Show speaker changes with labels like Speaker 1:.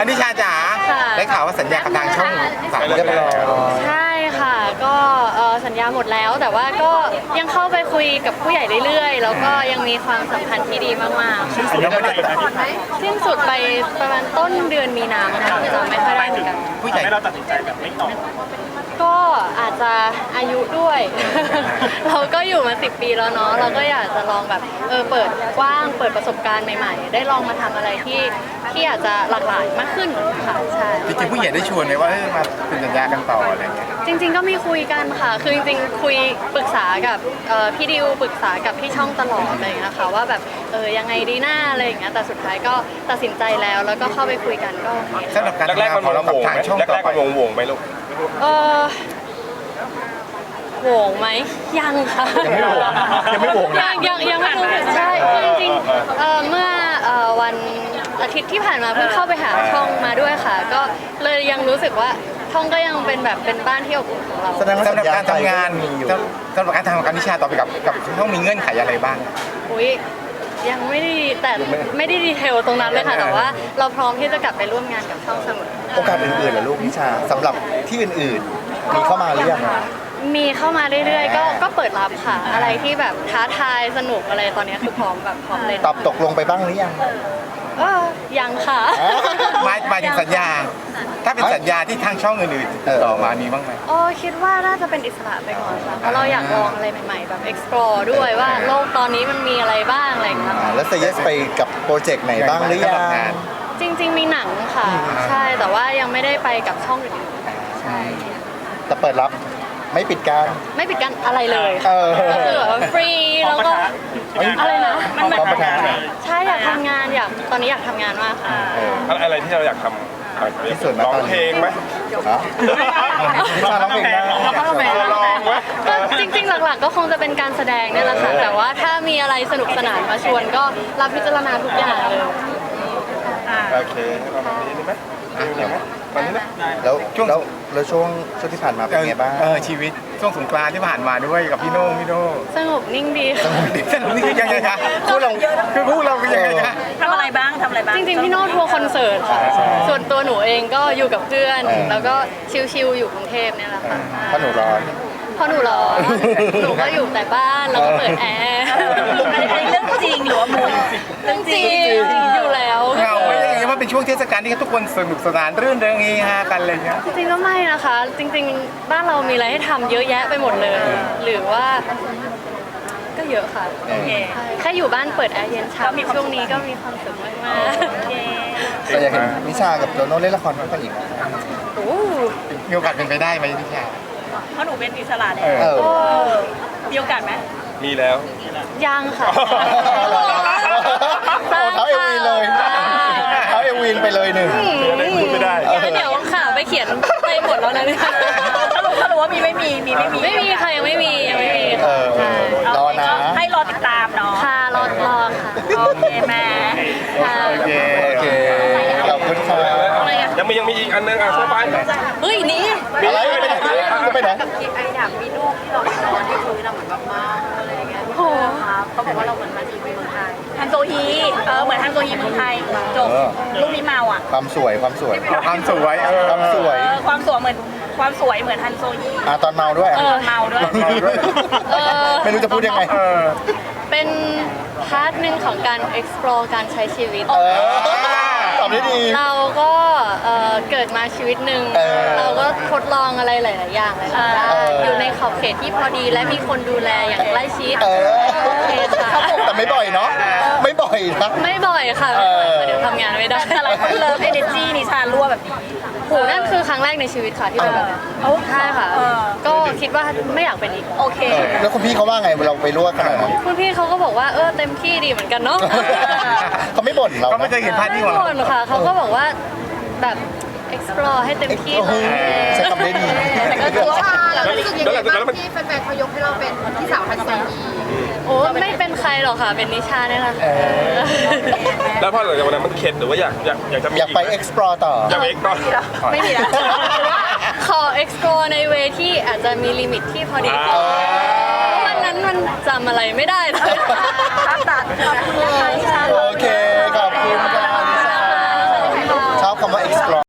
Speaker 1: นิชาจ๋าได้ข่าวว่าสัญญากับทางช่อง3เรียบร้อย
Speaker 2: ใช่ค่ะก็สัญญาหมดแล้วแต่ว่าก็ยังเข้าไปคุยกับผู้ใหญ่เรื่อยๆแล้วก็ยังมีความสัมพันธ์ที่ดีมากๆสิ้นสุดไปประมาณต้นเดือนมีนาคมจะไม่ค่อยได้เหมือนกัน
Speaker 3: ผู้ใหญ่เราตัดสินใจแบบไม่ตอบ
Speaker 2: ก็อาจจะอายุด้วย เราก็อยู่มา10 ปีแล้วเนาะเราก็อยากจะลองแบบเปิดกว้างเปิดประสบการณ์ใหม่ๆได้ลองมาทำอะไรที่อาจจะหลากหลายมากขึ้นค่ะใช่
Speaker 1: จริงๆผู้ใหญ่ได้ชวนไหมว่ามาเป็นสัญญากันต่ออะไรเงี้ย
Speaker 2: จริงๆก็มีคุยกันค่ะคือจริงๆคุยปรึกษากับพี่ดิวปรึกษากับพี่ช่องตลอดอะไรอย่างเงี้ยค่ะว่าแบบยังไงดีหน้าอะไรอย่างเงี้ยแต่สุดท้ายก็ตัดสินใจแล้วก็เข้าไปคุยกันก็
Speaker 1: สำหรับการแรกๆมันวงไหมแรกๆมันวงไหมลูก
Speaker 2: โหวงไหมยังค่ะ
Speaker 1: ยังไม่โหวง
Speaker 2: ยังไม่รู้ใช่จริงๆเมื่อวันอาทิตย์ที่ผ่านมาเพิ่งเข้าไปหาช่องมาด้วยค่ะก็เลยยังรู้สึกว่าช่องก็ยังเป็นแบบเป็นบ้านที่อบอุ่นของเรา
Speaker 1: สำหรับการทำงานสำหรับการทำงานนิชาต่อไปกับช่องมีเงื่อนไขอะไรบ้าง
Speaker 2: อุ้ยยังไม่ได้แต่ไม่ได้ดีเทลตรงนั้นเลยค่ะแต่ว่าเราพร้อมที่จะกลับไปร่วมงานกับช่องเสมอ
Speaker 4: โอกาสอื่นๆเหรอลูกนิชาสำหรับที่อื่นๆมีเข้ามาหรือยัง
Speaker 2: มีเข้ามาเรื่อยๆก็เปิดรับค่ะอะไรที่แบบท้าทายสนุกอะไรตอนนี้คือพร้อมเลย
Speaker 4: ตอบตกลงไปบ้างหรือยัง
Speaker 2: ยังค่ะ
Speaker 1: หมายถึงสัญญาถ้าเป็นสัญญาที่ทางช่องอื่นๆต่อมามีบ้างไหม
Speaker 2: คิดว่าน่าจะเป็นอิสระไปก่อนค่ะเพราะเราอยากลองอะไรใหม่ๆแบบ explore ด้วยว่าโลกตอนนี้มันมีอะไรบ้างอะไรอย่างเงี้ย
Speaker 4: แล้วเซย์เยสไปกับโปรเจกต์ไหนบ้างหรือยัง
Speaker 2: จริงๆมีหนังค่ะใช่แต่ว่ายังไม่ได้ไปกับช่องอื่นๆใช่
Speaker 4: แต่เปิดรับไม่ปิดการ
Speaker 2: อะไรเลยก็คือแบบฟรีแล้วก็อะไรนะมันใช่อยากทำงานตอนนี้อยากทำงานมากค่ะ
Speaker 3: อะไรที่เราอยากทำที่สุดร้องเพลงไหม
Speaker 4: นิชาร้องเพลงได้
Speaker 3: ลองไหม
Speaker 2: ก็จริงๆหลักๆก็คงจะเป็นการแสดงนี่แหละค่ะแต่ว่าถ้ามีอะไรสนุกสนานมาชวนก็รับพิจารณาทุกอย่างเลย
Speaker 3: โอเคประมาณนี้ได้ไหมตอนนี้นะ
Speaker 4: แล้วช่วงที่ผ่านมาเป็นไงบ้าง
Speaker 1: ชีวิตช่วงสงกรานต์ที่ผ่านมาด้วยกับพี่โน่
Speaker 2: สงบนิ่งดี
Speaker 1: สงบนี่คือยังไงคะคู่เราเป็นยังไงคะ
Speaker 2: ทำอะไรบ้างจริงๆพี่โน่ทัวร์คอนเสิร์ตค่ะส่วนตัวหนูเองก็อยู่กับเพื่อนแล้วก็ชิลๆอยู่กรุงเทพเนี่ยแหละค่ะ
Speaker 4: เพราะหนูร้อน
Speaker 2: หนูก็อยู่แต่บ้านแล้วก็เปิดแอร์อันนี้เรื่องจริงหรือว่ามุกเรื่องจริงอยู่แล้ว
Speaker 1: เหงาไม่ยังไงว่าเป็นช่วงเทศกาลที่ทุกคนสนุกสนานรื่นเริงเฮฮากันอะไรเงี้ย
Speaker 2: จริงๆก็ไม่นะคะจริงๆบ้านเรามีอะไรให้ทำเยอะแยะไปหมดเลยหรือว่าก็เยอะค่ะแค่อยู่บ้านเปิดแอร์เย็นเช้าช่วงนี้ก็มีความสุขมากๆ
Speaker 4: แต่อยากเห็นนิชากับโตโน่เล่นละครคู่กันอีก
Speaker 1: มีโอกาสเป็นไปได้ไหมนิชา
Speaker 2: เพราะหนูเป็นอิสระแล้วมีโอกาสไหม
Speaker 3: มีแล้ว
Speaker 2: ยังค่ะ
Speaker 4: เขาเอวีเลยเขาเอวีนไปเลยหนึ่ง
Speaker 3: พูดไม่ได้
Speaker 2: เดี๋ยวค่ะไปเขียนไปหมดแล้วนะเนี่ยถ้ารู้ว่าไม่มีค่ะยังไม่มี
Speaker 4: รอนะ
Speaker 2: ให้รอติดตามเนาะค่ะรอค่ะโอเคแม่
Speaker 1: โอเค
Speaker 4: ขอบคุณค่ะ
Speaker 3: ยังมีอีกอันนึงช่วยไป
Speaker 2: เฮ้ยนี่
Speaker 4: อะไรไปไหน
Speaker 2: ไออยากมีลูกที่เราไปนอนที่พื้นเราเหมือนแบบมาอะไรอย่างเงี้ยโอ้ครับเขาบอกว่าเราเหมือนมาทีเมืองไทยฮันโซฮีเหมือนฮันโซฮีเมืองไทยจบลูกมีเมาอ่ะ
Speaker 4: ความสวย
Speaker 1: ความสวยเหมือนฮันโซฮี
Speaker 4: ตอนเมาด้วยไม่รู้จะพูดยังไง
Speaker 2: เป็นพาร์ทหนึ่งของการ explore การใช้ชีวิต
Speaker 4: ตอบได้ดี
Speaker 2: เราก็เกิดมาชีวิตหนึ่งเราก็ทดลองอะไรหลายๆอย่างเลยอยู่ในขอบเขตที่พอดีและมีคนดูแลอย่างใกล้ชิด
Speaker 4: แต่ไม่บ่อยเนาะไม่บ่อยนะ
Speaker 2: ไม่บ่อยค่ะเดี๋ยวทำงานไม่ได้แต่เราเลิฟเอเนจีนิชารั่วแบบโหนั่นคือครั้งแรกในชีวิตค่ะที่เป็นแบบใช่ค่ะก็คิดว่าไม่อยากเป็นอีกโอเค
Speaker 4: แล้วคุณพี่เขาว่าไงเราไปรั่วขนาดนั้น
Speaker 2: คุณพี่เขาก็บอกว่าเต็มที่ดีเหมือนกันเนาะ
Speaker 4: เขาไม่บ่นเรา
Speaker 1: เขาไม่เคยเห็นภาพที่
Speaker 2: ไม่บ่นค่ะเขาก็บอกว่าแบบ explore ให้เต็มที่
Speaker 4: ใช้คำได้ดี
Speaker 5: แต่ก็คือว่าเรารู้สึกยังไงบ้างที่แฟนๆเขายกให้เราเป็นพี่สาวฮันโซฮี
Speaker 2: โอ้ไม่เป็นใครหรอกค่ะเป็นนิชาเนี่ยแหละ
Speaker 3: แล้วพอหลังจากวันนั้นมันเข็ดหรือว่าอยากจะมี
Speaker 4: อยากไป explore ต่อ
Speaker 3: อยากไป explore
Speaker 2: ไม่มีแล้วขอ explore ในเวที่อาจจะมีลิมิตที่พอดีวันนั้นมันจำอะไรไม่ได้เลยตัดขอบคุณนะคะ
Speaker 4: โอเคขอบคุณค่ะนิชาชอบคำว่า explore